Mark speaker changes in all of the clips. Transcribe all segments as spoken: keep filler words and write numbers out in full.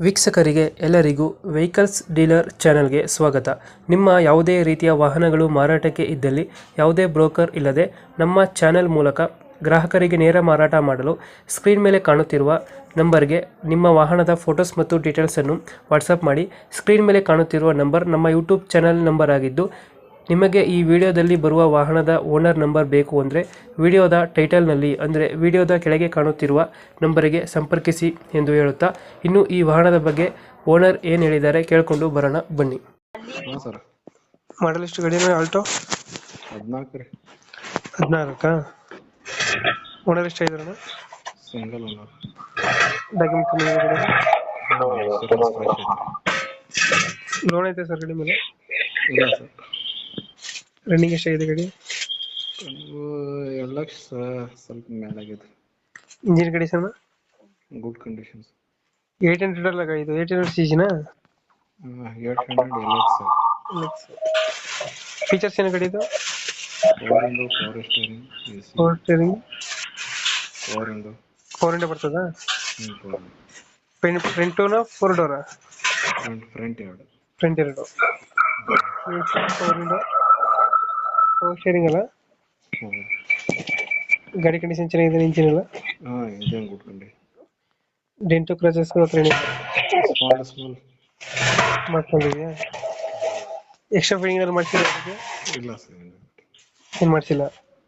Speaker 1: ವೀಕ್ಷಕರಿಗೆ ಎಲ್ಲರಿಗೂ vehicles dealer ಚಾನೆಲ್ಗೆ ಸ್ವಾಗತ. ನಿಮ್ಮ ಯಾವುದೇ ರೀತಿಯ ವಾಹನಗಳು ಮಾರಾಟಕ್ಕೆ ಇದ್ದಲ್ಲಿ ಯಾವುದೇ ಬ್ರೋಕರ್ ಇಲ್ಲದೆ ನಮ್ಮ ಚಾನೆಲ್ ಮೂಲಕ ಗ್ರಾಹಕರಿಗೆ ನೇರ ಮಾರಾಟ ಮಾಡಲು ಸ್ಕ್ರೀನ್ ಮೇಲೆ ಕಾಣುತ್ತಿರುವ ನಂಬರ್ಗೆ ನಿಮ್ಮ ವಾಹನದ ಫೋಟೋಸ್ ಮತ್ತು ಡೀಟೇಲ್ಸನ್ನು ವಾಟ್ಸಪ್ ಮಾಡಿ. ಸ್ಕ್ರೀನ್ ಮೇಲೆ ಕಾಣುತ್ತಿರುವ ನಂಬರ್ ನಮ್ಮ ಯೂಟ್ಯೂಬ್ ಚಾನೆಲ್ ನಂಬರ್ ಆಗಿದ್ದು, ನಿಮಗೆ ಈ ವಿಡಿಯೋದಲ್ಲಿ ಬರುವ ವಾಹನದ ಓನರ್ ನಂಬರ್ ಬೇಕು ಅಂದರೆ ವಿಡಿಯೋದ ಟೈಟಲ್ನಲ್ಲಿ ಅಂದರೆ ವಿಡಿಯೋದ ಕೆಳಗೆ ಕಾಣುತ್ತಿರುವ ನಂಬರಿಗೆ ಸಂಪರ್ಕಿಸಿ ಎಂದು ಹೇಳುತ್ತಾ, ಇನ್ನು ಈ ವಾಹನದ ಬಗ್ಗೆ ಓನರ್ ಏನು ಹೇಳಿದ್ದಾರೆ ಕೇಳಿಕೊಂಡು ಬರೋಣ ಬನ್ನಿ.
Speaker 2: ಹಾಂ ಸರ್.
Speaker 1: ಮಾಡಲ್ ಎಷ್ಟು ಗಾಡಿ ಆಲ್ಟೋ?
Speaker 2: ಹದಿನಾಲ್ಕು ರೀ.
Speaker 1: ಹದಿನಾಲ್ಕಾ? ಓನರ್ ಎಷ್ಟು ಆಗಿದಾರಣ?
Speaker 2: Single owner.
Speaker 1: Document
Speaker 2: insurance fresh ಐತ್ರಿ.
Speaker 1: ಲೋನ್ ಐತೆ ಸರ್ ಗಾಡಿ ಮೇಲೆ?
Speaker 2: ಇಲ್ಲ ಸರ್.
Speaker 1: ರನ್ನಿಂಗ್ ಎಷ್ಟಾಗಿದೆ ಗಾಡಿ?
Speaker 2: ಅದು ಎರಡು ಲಕ್ಷ ಸ್ವಲ್ಪ ಮೇಲಾಗಿದೆ.
Speaker 1: Engine condition
Speaker 2: good conditions.
Speaker 1: Eight hundred ಅಲ್ಲ ಗಾಡಿ ಇದು? ಏಟ್ ಹಂಡ್ರೆಡ್ ಸಿ ಜಿನಾ?
Speaker 2: Eight hundred L X.
Speaker 1: Features ಏನು ಗಾಡಿ ಇದು?
Speaker 2: Four window power steering,
Speaker 1: power steering,
Speaker 2: four window
Speaker 1: four window ಬರ್ತದಾ?
Speaker 2: ಹ್ಞೂ ಫೋರ್
Speaker 1: ಫ್ರಂಟ್ ಫ್ರಂಟುನಾ ಫೋರ್ ಡೋರಾ?
Speaker 2: ಫ್ರಂಟ್ ಫ್ರಂಟ್ ಎರಡು.
Speaker 1: ಫ್ರಂಟ್ ಎರಡು. ಫೋರ್ ಇಂಡೋ ಪವರ್ ಸ್ಟೇರಿಂಗ್ ಅಲ್ಲ?
Speaker 2: ಹ್ಞೂ.
Speaker 1: ಗಾಡಿ ಕಂಡೀಷನ್ ಚೆನ್ನಾಗಿದೆ, ಇಂಜಿನ್ ಎಲ್ಲ?
Speaker 2: ಹಾಂ engine good condition.
Speaker 1: Dent scratches ಹತ್ರ
Speaker 2: ಸ್ಮಾಲ್ ಸ್ಮಾಲ್
Speaker 1: ಮಾಡ್ಕೊಂಡಿದ್ಯಾ? ಎಕ್ಸ್ಟ್ರಾ ಫಿಟ್ಟಿಂಗ್ ಎಲ್ಲ ಮಾಡ್ಸಿಲ್ಲ?
Speaker 2: ಇಲ್ಲ ಸರ್.
Speaker 1: ಏನು ಮಾಡಿಸಿಲ್ಲ.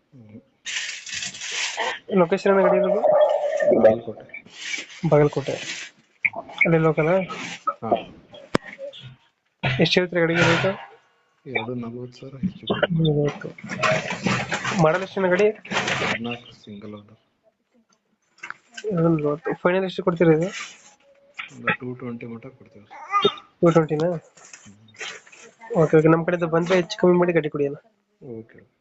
Speaker 1: ಲೊಕೇಶನ್ ಗಾಡಿ ಇರೋದು?
Speaker 2: ಬಾಗಲಕೋಟೆ.
Speaker 1: ಬಾಗಲಕೋಟೆ ಅಲ್ಲೇ ಲೋಕಲ್?
Speaker 2: ಹಾಂ.
Speaker 1: ಎಷ್ಟು ಹೇಳ್ತೀರಿ ಗಾಡಿಗೆ ರೇಟು?
Speaker 2: ಎರಡು ನಲ್ವತ್ತು ಸಾವಿರ ಹೆಚ್ಚು.
Speaker 1: ಮಾಡಲ್ ಎಷ್ಟು ಗಾಡಿ?
Speaker 2: ಹದಿನಾಲ್ಕು ಸಿಂಗಲ್ ಓನರ್.
Speaker 1: ಎರಡು ನಲ್ವತ್ತು. ಫೈನಲ್ ಎಷ್ಟು ಕೊಡ್ತೀರಾ ಇದು?
Speaker 2: ಒಂದು ಟೂ ಟ್ವೆಂಟಿ ಮಟ್ಟ ಕೊಡ್ತೀವಿ.
Speaker 1: ಟೂ ಟ್ವೆಂಟಿನಾ? Okay okay. ನಮ್ಮ ಕಡೆಯಿಂದ ಬಂದರೆ ಹೆಚ್ಚು ಕಮ್ಮಿ ಮಾಡಿ ಗಾಡಿ ಕೊಡಿ ಅಲ್ಲ.
Speaker 2: ಓಕೆ.